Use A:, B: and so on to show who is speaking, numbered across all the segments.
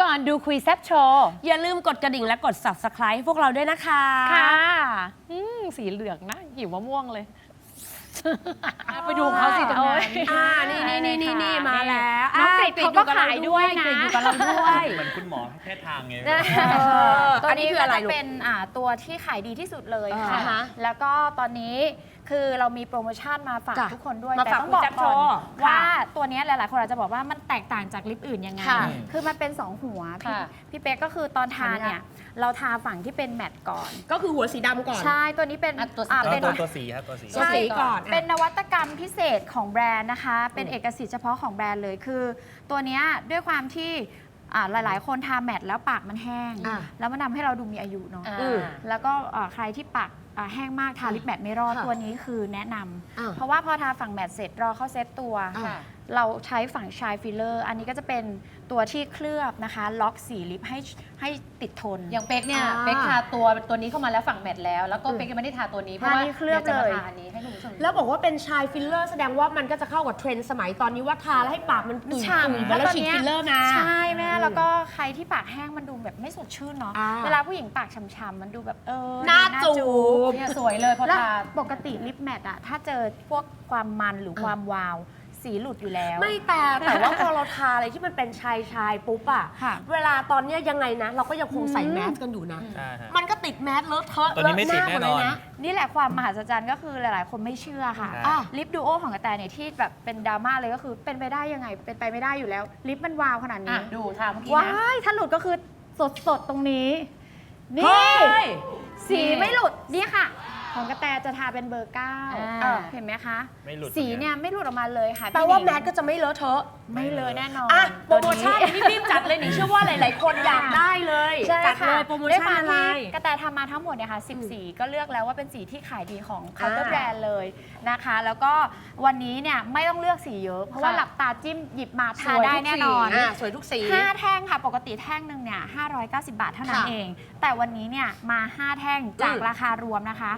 A: ก่อนดูคุยแซ่บโชว์
B: อย่าลืมกดกระดิ่งและกด Subscribe ให้พวกเราด้วยนะคะ
A: ค่ะสีเหลืองนะหิวมะม่วงเลยไปดูเขาสิตรงนั้น
B: นี่มาแล้ว
A: น้องกริดเขาก็ขายด้วยนะ
B: อยู่กับเราด้วย
C: เหมือนคุณหมอแพทย์ทางไง
B: อันนี้คืออะไร
D: จะเป็นตัวที่ขายดีที่สุดเลย
B: อ่า
D: ค่ะ
B: ฮะ
D: แล้วก็ตอนนี้คือเรามีโปรโมชั่นมาฝาก
B: จ้ะ
D: ทุกคนด้วย
B: มา
D: แต่
B: ฝาก
D: ต้องบอก
B: คุณแจ็ค
D: ก่อน
B: โชว์
D: ว่า
B: ค่ะ
D: ตัวนี้หลายๆคนอาจจะบอกว่ามันแตกต่างจากลิปอื่นยังไง
B: ค่ะ
D: คือมันเป็น 2 หัวพี่
A: ค่ะ
D: พี่เป๊กก็คือตอนทานเนี่ยเราทาฝั่งที่เป็นแมตต์ก่อน
B: ก็คือหัวสีดำก่อน
D: ใช่ตัวนี้เป็น
A: ตัวสี
D: เป็น
C: ตัวสีครับตัวสี
B: ตัวสีก่อน
D: เป็นนวัตกรรมพิเศษของแบรนด์นะคะ เป็นเอกสิทธิ์เฉพาะของแบรนด์เลยคือ ตัวเนี้ยด้วยความที่หลายๆ คนทาแมตต์แล้วปากมันแห้ง
B: อ่ะ
D: แล้วมันทำให้เราดูมีอายุเนาะ
A: อืม
D: แล้วก็ใครที่ปากแห้งมากทาลิปแมตต์ไม่รอด
B: ค่ะ
D: ตัวนี้คือแนะนำ
B: อ่า
D: เพราะว่าพอทาฝั่งแมตต์เสร็จรอเข้าเซตตัว
A: ค่ะ
D: เราใช้ฝั่งชายฟิลเลอร์ อันนี้ก็จะเป็นตัวที่เคลือบนะคะ ล็อกสีลิปให้ติดทน
A: อย่างเป๊กเนี่ย
B: อ่า
A: เป๊กทาตัวนี้เข้ามาแล้วฝั่งแมทแล้วก็เป๊กยังไม่ได้ทาตัวนี้เพราะว่า
D: อันนี้เคลือบ
A: ดี๋ยวจะ
D: เลย
A: มาทาอันนี้ให้คุณผู้ชมดู
B: แล้วบอกว่าเป็นชายฟิลเลอร์แสดงว่ามันก็จะเข้ากับเทรนด์สมัยตอนนี้ว่าทาแล้วให้ปากมันตุ่ย
D: ฉ่ำ
B: ๆเหมือนเราฉีดฟิลเลอร์มา
D: ใช่แม่แล้วก็ใครที่ปากแห้งมันดูแบบไม่สดชื่นเนาะ
B: อ่า
D: เวลาผู้หญิงปากฉ่ำๆมันดูแบบ
B: หน้าจูบ
A: เนี่ยสวยเลยพอ
D: แล้ว
A: ทา
D: ปกติลิปแมทอะถ้าเจอพวกความมันหรือความวาวสีหลุดอยู่แล้ว
B: ไม่แต่ว่าพอเราทาอะไรที่มันเป็นชายปุ๊บอะ
D: ค่ะ
B: เวลาตอนเนี้ยยังไงนะ เราก็ยังคงใส่แมสกันอยู่นะ
C: ใช่ฮะ
B: มันก็ติดแมสเลอะเทอะ
C: ตัวนี้ไม่ติดแน่นอน
B: เลอะหาหมดเลยนะ
D: นี่แหละความมหัศจรรย์ก็คือหลายๆ คนไม่เชื่อค่ะ
C: อ่ะ
D: ลิปดูโอของกระแตเนี่ยที่แบบเป็นดราม่าเลยก็คือเป็นไปได้ยังไงเป็นไปไม่ได้อยู่แล้ว ลิปมันวาวขนาด
A: อ่ะ
D: นี้
A: ดูทาเมื่อกี้
D: ว้า
A: นะ
D: ยถ้าหลุดก็คือสดๆตรงนี้
B: เฮ้
D: นี่
B: ย
D: สีไม่หลุดนี่ค่ะ ของกระแตจะทาเป็นเบอร์ 9เห็นไหมคะ
C: ไม่หลุด
D: สีเนี่ยไม่หลุดออกมาเลยค่ะ
B: แปลว่า
D: พี่ห
B: แม
D: นิ
B: ส
D: ง
B: ก็จะไม่เลอะเทอะ
D: ไม่เลยแน่นอน
B: อ่ะโปรโมชั่น
D: ตัวนี้
B: รีบๆจัดเลยหนิเชื่อว่าหลายๆ คนอยากได้เลย
D: ใช่
B: จัด
D: ค่ะ
B: เลยโปรโม
D: ด้วย
B: ชั่
D: คน วาม
B: อะไร
D: ที่กระแตทำมาทั้งหมดเนี่ยค่ะ10 สีก็เลือกแล้วว่าเป็นสีที่ขายดีของเคาน์เตอร์แบรนด์เลยนะคะ แล้วก็วันนี้เนี่ยไม่ต้องเลือกสีเยอะ เพราะว่า
A: ค่ะ
D: หลับตาจิ้มหยิบมา
A: ส
D: ทา
A: วย
D: ได้
A: ทุก
D: แน่
A: สี
D: นอน
B: สวยทุกสี
D: 5 แท่งค่ะ ปกติแท่งหนึ่งเนี่ย590 บาทเท่านั้น
B: ค่ะ
D: เอง แต่วันนี้เนี่ยมา 5 แท่งจากราคารวมนะคะ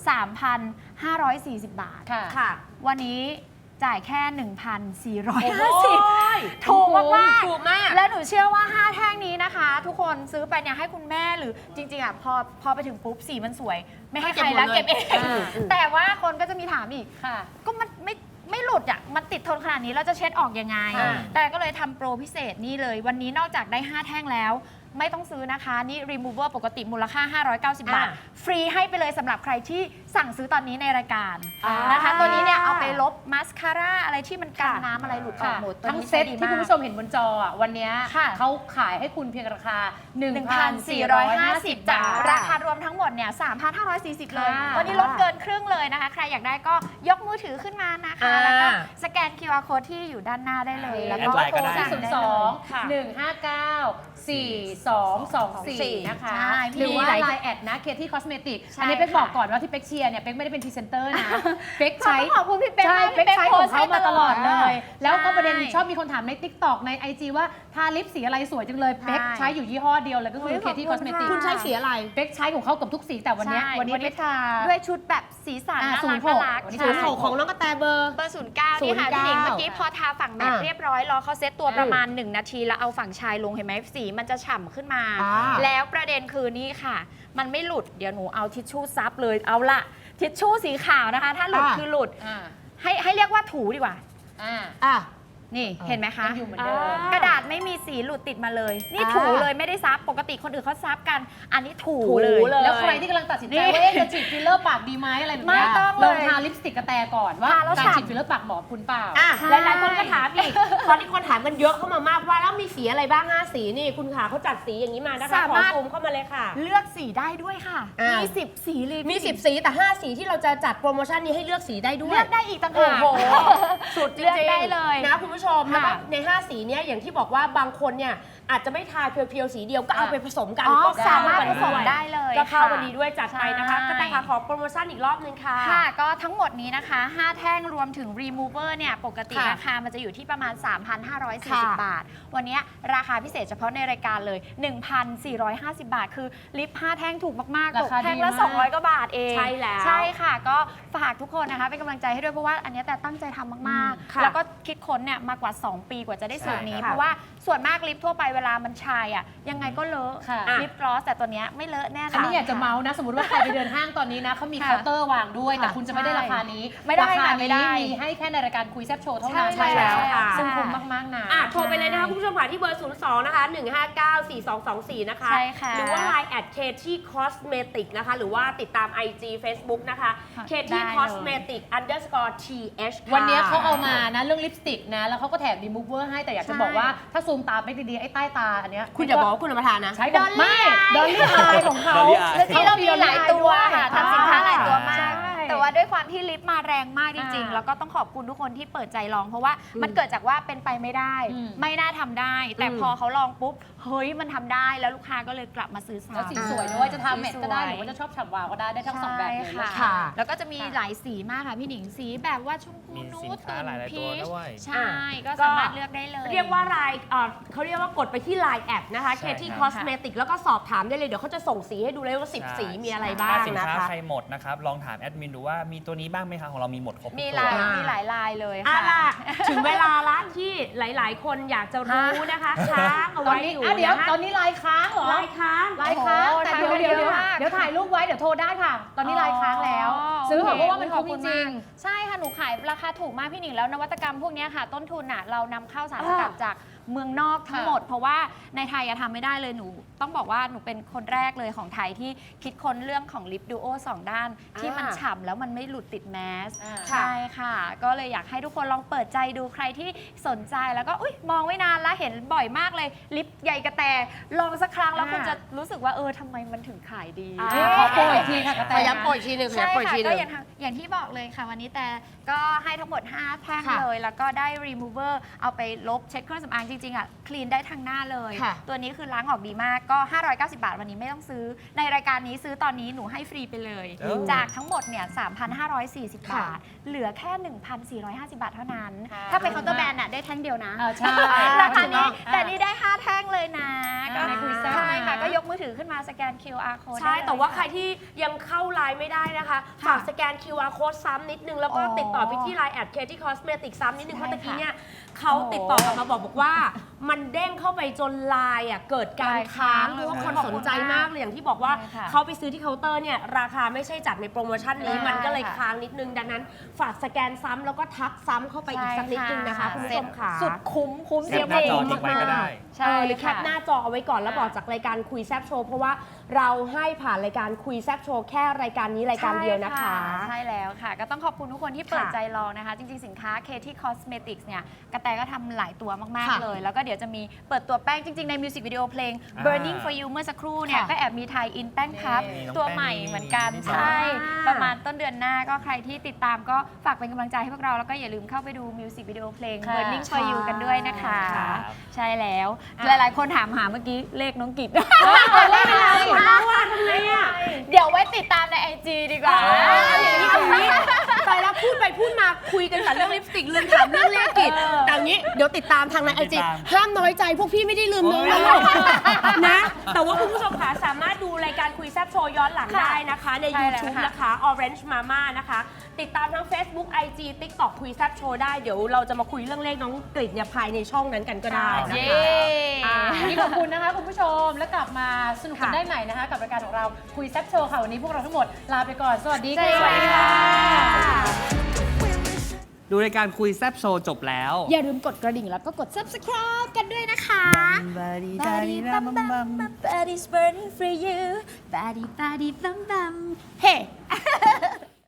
D: 3,540 บาท
A: ค่ะ
B: ค่ะ
D: วันนี้จ่ายแค่
B: โอ้โห
D: 1,450 ถูกมากๆ
B: ถูกมาก
D: และหนูเชื่อว่า 5 แท่งนี้นะคะ ทุกคนซื้อไปเนี่ยให้คุณแม่หรือจริงๆอ่ะพอไปถึงปุ๊บสีมันสวย ไม่ให้ใครแล้ว
B: เก็
D: เก็
B: บบ หม
D: เอ
B: ดเลย
D: ง แต่ว่าคนก็จะมีถามอีก
A: ค่ะ
D: ก็มันไม่หลุดอ่ะมันติดทนขนาดนี้เราจะเช็ดออกยังไง
A: อ่า
D: แต่ก็เลยทำโปรพิเศษนี่เลย วันนี้นอกจากได้ 5 แท่งแล้ว ไม่ต้องซื้อนะคะ นี่ remover ปกติมูลค่า 590 บาท ฟรีให้ไปเลยสำหรับใครที่สั่งซื้อตอนนี้ในรายการ
B: อ่าน
D: นะคะ ตัวนี้เนี่ยเอาไปลบมาสคาร่าอะไรที่มันกันน้ำอะไรหลุดออก
A: ค่ะ
D: หมดตัว
A: ทั้ง
D: นี้
A: เซ็ต
D: ใช้ดี
A: ที่
D: มาก
A: คุณผู้ชมเห็นบนจออ่ะวันเนี้ย
D: ค่ะ
A: เขาขายให้คุณเพียงราคา
D: 1,450
A: บาท
D: ราคารวมทั้งหมดเนี่ย 3,540 เลย
A: ค่ะ
D: วันนี้ลดเกินครึ่งเลยนะคะ ใครอยากได้ก็ยกมือถือขึ้นมานะคะ แล้วก็สแกน QR code ที่อยู่ด้านหน้าได้เลย แล้วก็
C: แอดไลน์ก็ได้
D: สั่ง
A: 0
D: ได้
A: 2
D: เลยค่ะ
A: 1 5 9 4 2 2 4 นะคะ
D: ใช่พี่
A: หรือว่า
D: หลาย
A: ไลน์แอดนะเคที่คอสเมติก
D: ใช่
A: อันนี้เป๊ก
D: ค่ะ
A: บอกก่อนว่าที่เป๊กเชียร์เนี่ยเป๊กไม่ได้เป็นพรีเซนเตอร์นะเป๊กใช้
D: ขอบคุณพี่เป๊ก
A: ใช่
D: มาก
A: เป๊กใช้ของเขามาตลอดเลย แล้วก็
D: ใช่
A: ประเด็นชอบมีคนถามใน TikTok ใน IG ว่าทาลิปสีอะไรสวยจังเลย
D: ใช่
A: เป๊กใช้อยู่ยี่ห้อเดียวเลยก็คือ
D: โอ้ย
A: เคที่
D: ข
A: ค
D: อ
A: อบ ส
D: คุณ
A: เมติก
D: ค่ะ
B: คุณใช้สีอะไร
A: เป๊กใช้ของเขากับทุกสีแต่วันเนี้ย
D: ใช่
A: วันนี้เป๊กทา
D: ด้วยชุดแบบสีสันน่ารัก
A: 06
D: น่ารัก
A: วันนี้
D: ใช่
B: 06ของน้องกระแตเบอร์
D: เบอร์ 09 นี่ค่ะ
B: 09
D: พี่หนิงเมื่อกี้พอทาฝั่งแมท
B: อ่า
D: เรียบร้อยรอเขาเซตตัวประมาณ 1 นาที แล้วเอาฝั่งชายลงเห็นไหมสีมันจะฉ่ำขึ้นมา
B: อ่า
D: แล้วประเด็นคือนี่ค่ะ มันไม่หลุดเดี๋ยวหนูเอาทิชชู่ซับเลยเอาละทิชชู่สีขาวนะคะ ถ้าหลุดคือหลุด
A: อ่า
D: ให้เรียกว่าถูดีกว่า
A: อ่า
B: อ่ะ
D: นี่เห็นไหมคะ
A: ยังอยู่เหมือนเดิม
D: กระดาษไม่มีสีหลุดติดมาเลย นี่
B: อ่า
D: ถูเลยไม่ได้ซับปกติคนอื่นเขาซับกัน อันนี้ถู
B: ถู
D: เลย
B: เลย
A: แล้วใครที่กำลังตัดสินใจ
D: นี่
A: ว่าเอ๊ะจะฉีดฟิลเลอร์ปากดีไหมอะไรแบบเนี้ย
D: ไม่ต้อง
A: ล
D: เลย
A: องทาลิปสติกกระแตก่อนว่า
D: ทาแล้ว
A: การ
D: ฉ่ำ
A: ฉีดฟิลเลอร์ปากเหมาะคุณเปล่า
B: อ่ะ
D: ใช่
B: หลายๆคนก็ถามอีก ตอนนี้คนถามกันเยอะเข้ามามากว่าแล้วมีสีอะไรบ้าง5สีนี่คุณขาเขาจัดสีอย่างนี้มานะคะ
D: สา
B: ขอ
D: มารถ
B: ซูมเข้ามาเลยค่ะ
D: เลือกสีได้ด้วยค่ะ
B: อ่ามี
D: มี10 สีเลย
B: มี
D: พี่
B: 10 สีแต่ 5 สีที่เราจะจัดโปรโมชั่นนี้ให้เลือกสีได้ด้วย
D: เลือกได้อีกต่าง
B: โอ้
D: หาก
B: โห สุดจริง
D: เลือกได้เลย
B: นะคุณผู้ชม
D: ค่ะ
B: แล้วก็ใน 5 สีเนี้ยอย่างที่บอกว่าบางคนเนี่ยอาจจะไม่ทาเพียวๆสีเดียวก็เอาไปผสมกัน
D: อ๋อ
B: ก็
D: สามารถผสม
B: ด้วย
D: ได้เลย
B: ก็เข้า
D: ค่ะ
B: กันดีด้วยจัดไปนะคะ
D: ใช่
B: ก็แต่ค่ะขอโปรโมชั่นอีกรอบนึงค่ะ
D: ค่ะ ก็ทั้งหมดนี้นะคะ 5 แท่งรวมถึง remover เนี่ยปกติ
B: ค่ะ
D: ราคามันจะอยู่ที่ประมาณ
B: ค่ะ
D: 3,540 บาท วันนี้ราคาพิเศษเฉพาะในรายการเลย 1,450 บาท คือลิป 5 แท่งถูกมากๆ
A: รา
D: ตก
A: คา
D: แท่ง
A: ดี
D: ละ
A: มาก
D: 200 กว่าบาทเอง
B: ใช่แล้ว
D: ใช่ค่ะ ก็ฝากทุกคนนะคะเป็นกำลังใจให้ด้วยเพราะว่าอันนี้แต่ตั้งใจทำมาก
B: ค่ะ
D: ๆ แล้วก็คิดค้นเนี่ยมาากว่า 2 ปีกว่าจะได้สูตรนี้
B: ใช่ค่ะ
D: เพราะว่าส่วนมากลิปทั่วไปเวลามันชายอ่ะยังไงก็เลอะ
A: ค่ะ
D: ลิปกลอสแต่ตัวเนี้ยไม่เลอะแน่นอน
A: อันนี้อยากจะเมาส์นะ สมมติว่าใครไปเดินห้างตอนนี้นะเขามี
D: ค่ะ
A: เคาน์เตอร์วางด้วย แต่
D: ค่ะ
A: คุณจะไม่ได้ราคานี้
D: ไม่ได้
A: ราคา
D: ค่ะไม่ได้
A: นี้มีให้แค่ในรายการคุยแซบโชว์เท่านั้น
D: ใช่แล้วค่ะ
A: ซึ่งคุ้มมากๆนะ
B: โทรไปเลยนะคะคุณผู้ชมค่ะที่เบอร์ 02 นะคะ 1594224 นะคะ
D: ใช่ค่ะ
B: หรือว่า Line @KT Cosmetic นะคะ หรือว่าติดตาม IG Facebook นะคะ
D: ค่ะ
B: KT
D: ได้เลย
B: Cosmetic _TH ค่ะ
A: วันนี้เขาเอามานะเรื่องลิปสติกนะ แล้วเขาก็แถมรีมูเวอร์ให้แต่อยากจะ
D: ใช่
A: บอกว่าถ้าซูมตาไม่ดีๆไอ้ใต้ตาอันเนี้ย
B: คุณอย่าบอกว่าคุณเอามาทานนะ
A: ใช้กับไม่ดอลลี่อายของเขา
C: Dolly Eye
D: แล้วที่เรามีหลายตัวค่ะทำสินค้าหลายตัวมาก
A: ใช่
D: แต่ว่าด้วยความที่ลิปมาแรงมากจริงๆ
A: อ่า
D: แล้วก็ต้องขอบคุณทุกคนที่เปิดใจลอง เพราะว่ามันเกิดจากว่าเป็นไปไม่ได้
A: อืม
D: ไม่น่าทำได้ แต่
B: อืม
D: พอเขาลองปุ๊บ เฮ้ยมันทำได้แล้วลูกค้าก็เลยกลับมาซื้อซ้ำ
A: แล้วสีสวยด้วยจะทำเม็ดก็ได้
D: สีสวย
A: หรือว่าจะชอบฉ่ำวาวก็ได้ได้ทั้งสองแบบเลย
D: ใช่
A: นะ
B: ค่ะ
D: แล้วก็จะมีหลายสีมากค่ะพี่หนิงสีแบบว่าชมพู
C: มี
D: นู
C: สิน
D: ด
C: ค้าหลายๆตัวด้วย
D: ใช่ก็สามารถเลือกได้เลย
B: เรียกว่าเขาเรียกว่ากดไปที่ Line แอดนะคะ
C: ใช่
B: KT
C: ครับ
B: Cosmetic แล้วก็สอบถามได้เลย เดี๋ยวเขาจะส่งสีให้ดูเลยว่า
C: ใช่
B: 10 สีมีอะไรบ้าง
C: ถ้าสิน
B: นะ
C: ค้า
B: คะ
C: ใครหมดนะครับ ลองถามแอดมินดูว่ามีตัวนี้บ้างไหมคะของเรามีหมดครบทุก
D: มี
C: ตัว
D: มีหลายลายเลย
B: อ่ะ
D: ค่ะ
B: ล่ะ ถึงเวลาละที่หลาย ๆ คนอยากจะรู้นะคะค้างเอา
A: ตอน
B: ไว้
A: นี้
B: อยู่
A: เดี๋ยว
B: นะคะ
A: ตอนนี้ไลน์ค้างเหรอ
B: ลายค้าง
A: ไลน์ค้าง
D: โอ้โห
A: แต่
D: ถ่าย
A: เดี๋ยว
D: เยอะมาก
A: เดี๋ยวถ่ายรูปไว้เดี๋ยวโทรได้ค่ะ ตอนนี้ไลน์ค้างแล้ว ซื้อเถอะเพราะว่ามัน
D: ขอบ
A: คุ้
D: คุ
A: ม
D: ณ
A: จริ
D: มาง กใช่ค่ะหนูขายราคาถูกมากพี่หนิงแล้วนวัตกรรมพวกเนี้ยค่ะ ต้นทุนอ่ะเรานำเข้าสารสกัดจากเมืองนอกทั้งหมด เพราะว่าในไทยอะทำไม่ได้เลยหนูต้องบอกว่าหนูเป็นคนแรกเลยของไทยที่คิดค้นเรื่องของลิปดูโอ2ด้าน ที่มันฉ่ำแล้วมันไม่หลุดติดแมส
A: อ่า
D: ใช่ค่ะ ก็เลยอยากให้ทุกคนลองเปิดใจดูใครที่สนใจแล้วก็อุ๊ยมองไว้นานแล้วเห็นบ่อยมากเลยลิปใหญ่กระแตลองสักครั้งแล้วคุณจะรู้สึกว่าทำไมมันถึงขายดี
A: ขอโปรอีกทีค่ะกระแต
B: ขอย้ำโปรอีกทีหนึ่งขอ
D: ใช่
B: ย้ำโปรอีก
D: ค่ะ
B: ทีห
D: ก็
B: นึ่ง
D: อย่างที่บอกเลยค่ะวันนี้แต่ก็ให้ทั้งหมด 5 แท่ง
B: ค่ะ
D: เลย แล้วก็ได้ remover เอาไปลบเช็ดเครื่องสำอางจริงๆอ่ะคลีนได้ทั้งหน้าเลย
B: ค่ะ
D: ตัวนี้คือล้างออกดีมากก็ 590 บาทวันนี้ไม่ต้องซื้อ ในรายการนี้ซื้อตอนนี้หนูให้ฟรีไปเลย
C: เออ
D: จากทั้งหมดเนี่ย 3,540 บาท เหลือแค่ 1,450 บาทเท่านั้น ถ้าเป็นเคาน์เตอร์แบรนด์อ่ะได้แท่งเดียวนะ
A: ใช่
D: ราคานี้
A: อ่า
D: แต่นี่ได้ 5 แท่งเลยนะก็
A: ในคุยแซ่บ
D: ใช่
A: นะ
D: ค่ะก็ยกมือถือขึ้นมาสแกน QR code
B: ใช่
D: ได้เลย
B: แต่ว่า
D: ะ
B: ใครที่ยังเข้าไลน์ไม่ได้นะคะ ฝากสแกน QR code ซ้ำนิดนึง แล้วก็
D: อ๋อ
B: ติดต่อไปที่ Line @KT Cosmetic ซ้ำนิดนึง
D: ใช่
B: เพราะตะกี้
D: ค่ะ
B: เนี่ยเขา
D: โอ้โห
B: ติดต่อกลับมาบอกว่า มันเด้งเข้าไปจนไลน์เกิดการค้าง
D: ใช่
B: เพราะว่าคน
D: ขอบ
B: ส
D: คุ
B: น
D: ณ
B: ใจมากเลยอย่างที่บอกว่า
D: ใช่ค่ะ
B: เขาไปซื้อที่เคาน์เตอร์เนี่ยราคาไม่ใช่จากในโปรโมชั่นนี้
D: ใช่
B: มันก็เลย
D: ค่ะ
B: ค้างนิดนึง ดังนั้นฝากสแกนซ้ำแล้วก็ทักซ้ำเข้าไปอีกสักนิดนึงนะคะคุณผู้ชมค่ะ
D: สุดคุ้ม
C: แคปหน้าจอทิ้งไว้ก็ได้
D: ใช่
B: หรือแคปหน้าจอเอาไว้ก่อนแล้วบอกจากรายการคุยแซบโชว์เพราะว่าเราให้ผ่านรายการคุยแซบโชว์แค่รายการนี้รายการเดียวนะคะ
D: ใช่แล้วค่ะ ก็ต้องขอบคุณทุกคนที่เปิด
B: ค่ะ
D: ใจลองนะคะ จริง ๆ สินค้า KT Cosmetics เนี่ยกระแตก็ทำหลายตัวมาก
B: ค่ะ
D: ๆ เลย แล้วก็เดี๋ยวจะมีเปิดตัวแป้งจริง ๆ ในมิวสิกวิดีโอเพลง
C: อ่า
D: Burning for You เมื่อสักครู่เนี่ย
A: ค่ะ
D: ก็แอบมีไทยอินแป้งพับ
C: นี่น้อง
D: ตัว
C: แป้ง
D: ใหม่เหมือนกัน
C: นี่
D: ใช่
B: อ่า
D: ประมาณต้นเดือนหน้าก็ใครที่ติดตามก็ฝากเป็นกำลังใจให้พวกเรา แล้วก็อย่าลืมเข้าไปดูมิวสิกวิดีโอเพลง
A: ค่ะ
D: Burning for You กันด้วยนะคะ
C: ครับ
D: ใช่แล้ว หลาย ๆ คนถามหาเมื่อกี้เลขน้องกิจ
A: ไม่เป็นไร
B: หมดแล้วอะทำไงอะ
D: เดี๋ยวไว้ติดตามใน IG ดีกว่า
B: อย่างนี้ไปแล้วพูดไปพูดมาคุยกันแต่เรื่องลิปสติกลืมถามเรื่องเลขกิจแต่อย่างนี้เดี๋ยวติดตามทางในไอจี
C: ติดตาม
B: ห้ามน้อยใจพวกพี่ไม่ได้ลืมน้อง
C: โอ้ย
B: นะ แต่ว่าคุณผู้ชมค่ะสามารถดูรายการคุยแซบโชว์ย้อนหลัง
D: ค่ะ
B: ได้นะคะ ใน
D: ใช่แล้ว
B: YouTube
D: ค่ะ
B: นะคะ Orange Mama นะคะ ติดตามทั้ง Facebook IG TikTok คุยแซบโชว์ได้เดี๋ยวเราจะมาคุยเรื่องเลขน้องกฤษเนี่ยภายในช่องนั้นกันก็ได้นะ
D: เย้
B: คะ
A: วันนี้ขอบคุณนะคะคุณผู้ชมแล้วกลับมาสนุกกัน
B: ค่ะ
A: ได้ใหม่นะคะ กับรายการของเราคุยแซ่บโชว์ค่ะ วันนี้พวกเราทั้งหมดลาไปก่อน สวัสดี
D: สวัสดี
A: ค่ะ
D: ค่ะ
C: ดูรายการคุยแซบโชว์จบแล้ว
D: อย่าลืมกดกระดิ่งแล้วก็กด subscribe กันด้วยนะคะ Body's burning for you Body bum bum Hey